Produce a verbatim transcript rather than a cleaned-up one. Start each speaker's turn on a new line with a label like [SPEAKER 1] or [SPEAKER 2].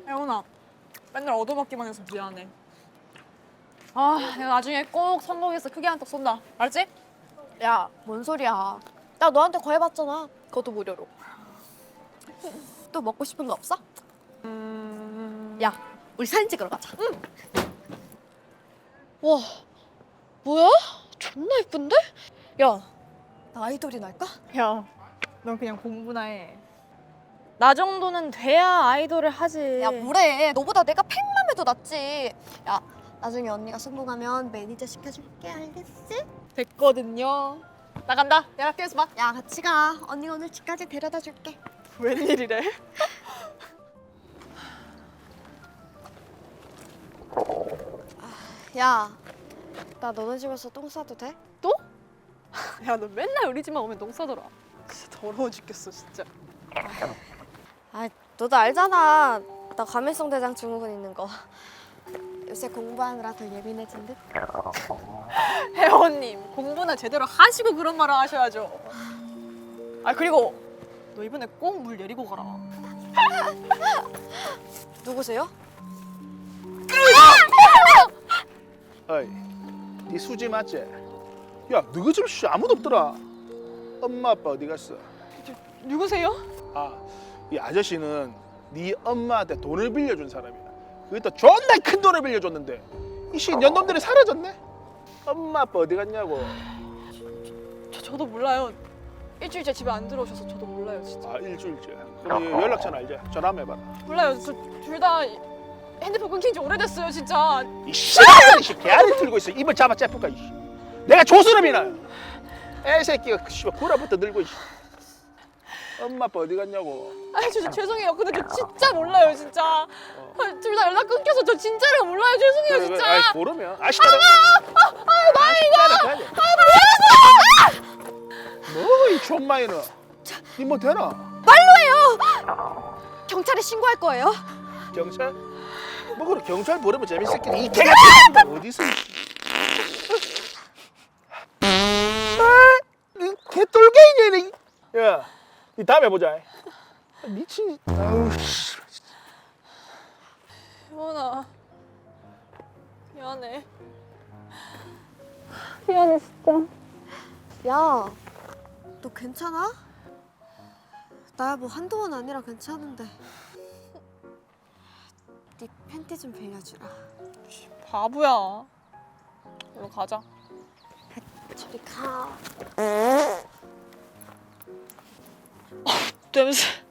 [SPEAKER 1] 혜원아, 맨날 얻어먹기만 해서 미안해. 아, 내가 나중에 꼭 성공해서 크게 한턱 쏜다. 알았지?
[SPEAKER 2] 야, 뭔 소리야. 나 너한테 거해봤잖아. 그것도 무료로. 또 먹고 싶은 거 없어?
[SPEAKER 1] 음...
[SPEAKER 2] 야, 우리 사진 찍으러 가자. 응. 와, 뭐야? 존나 예쁜데? 야, 나 아이돌이 날까?
[SPEAKER 1] 야, 넌 그냥 공부나 해. 나 정도는 돼야 아이돌을 하지.
[SPEAKER 2] 야, 뭐래. 너보다 내가 백만 배도 낫지. 야, 나중에 언니가 성공하면 매니저 시켜줄게. 알겠지?
[SPEAKER 1] 됐거든요. 나간다. 내가 학교에서 봐.
[SPEAKER 2] 야, 같이 가. 언니가 오늘 집까지 데려다 줄게.
[SPEAKER 1] 웬일이래?
[SPEAKER 2] 야, 나 너네 집에서 똥 싸도 돼?
[SPEAKER 1] 또? 야, 너 맨날 우리 집만 오면 농 싸더라. 진짜 더러워 죽겠어, 진짜.
[SPEAKER 2] 아, 너도 알잖아. 나 감염성 대장 증후군 있는 거. 요새 공부하느라 더 예민해진 듯?
[SPEAKER 1] 혜원님, 공부나 제대로 하시고 그런 말을 하셔야죠. 아, 그리고 너 이번에 꼭 물 내리고 가라.
[SPEAKER 2] 누구세요?
[SPEAKER 3] 어이, 네 수지 맞지? 야, 너희 집 씨 아무도 없더라. 엄마 아빠 어디 갔어?
[SPEAKER 1] 누구세요?
[SPEAKER 3] 아, 이 아저씨는 네 엄마한테 돈을 빌려준 사람이야. 그것도 존나 큰 돈을 빌려줬는데 이씨 년놈들이 사라졌네. 엄마 아빠 어디 갔냐고.
[SPEAKER 1] 저, 저도 몰라요. 일주일째 집에 안 들어오셔서 저도 몰라요, 진짜.
[SPEAKER 3] 아, 일주일째. 그럼 연락처는 알지? 전화 한번 해봐라.
[SPEAKER 1] 몰라요. 저 둘 다 핸드폰 끊긴 지 오래됐어요, 진짜.
[SPEAKER 3] 이 씨, 이씨 개알이 틀고 있어. 입을 잡아 째뿔까 이씨. 내가 조스럽이나. 애새끼가 씨발 구라부터 들고 이씨. 엄마 아빠 어디 갔냐고.
[SPEAKER 1] 아, 저, 저 죄송해요. 근데 저 진짜 몰라요, 진짜. 둘 다 연락 끊겨서 저 진짜로 몰라요. 죄송해요,
[SPEAKER 3] 그래,
[SPEAKER 1] 진짜.
[SPEAKER 3] 그래. 아이, 모르면 아시다라. 아, 아, 뭐이 존마이는. 니뭐 되나?
[SPEAKER 2] 경찰에 신고할 거예요.
[SPEAKER 3] 경찰? 뭐 그래 경찰 부르면 재밌었겠니? 이 개가 어디서? 아, 이 개똘개이네. 야, 니 다음에 보자. 미친. 아우 씨.
[SPEAKER 1] 혜원아, 미안해. 미안해, 진짜.
[SPEAKER 2] 야, 너 괜찮아? 나야 뭐 한동안 아니라 괜찮은데. 네 팬티 좀 빌려주라.
[SPEAKER 1] 바보야. 얼른 가자.
[SPEAKER 2] 저리 가.
[SPEAKER 1] 냄새.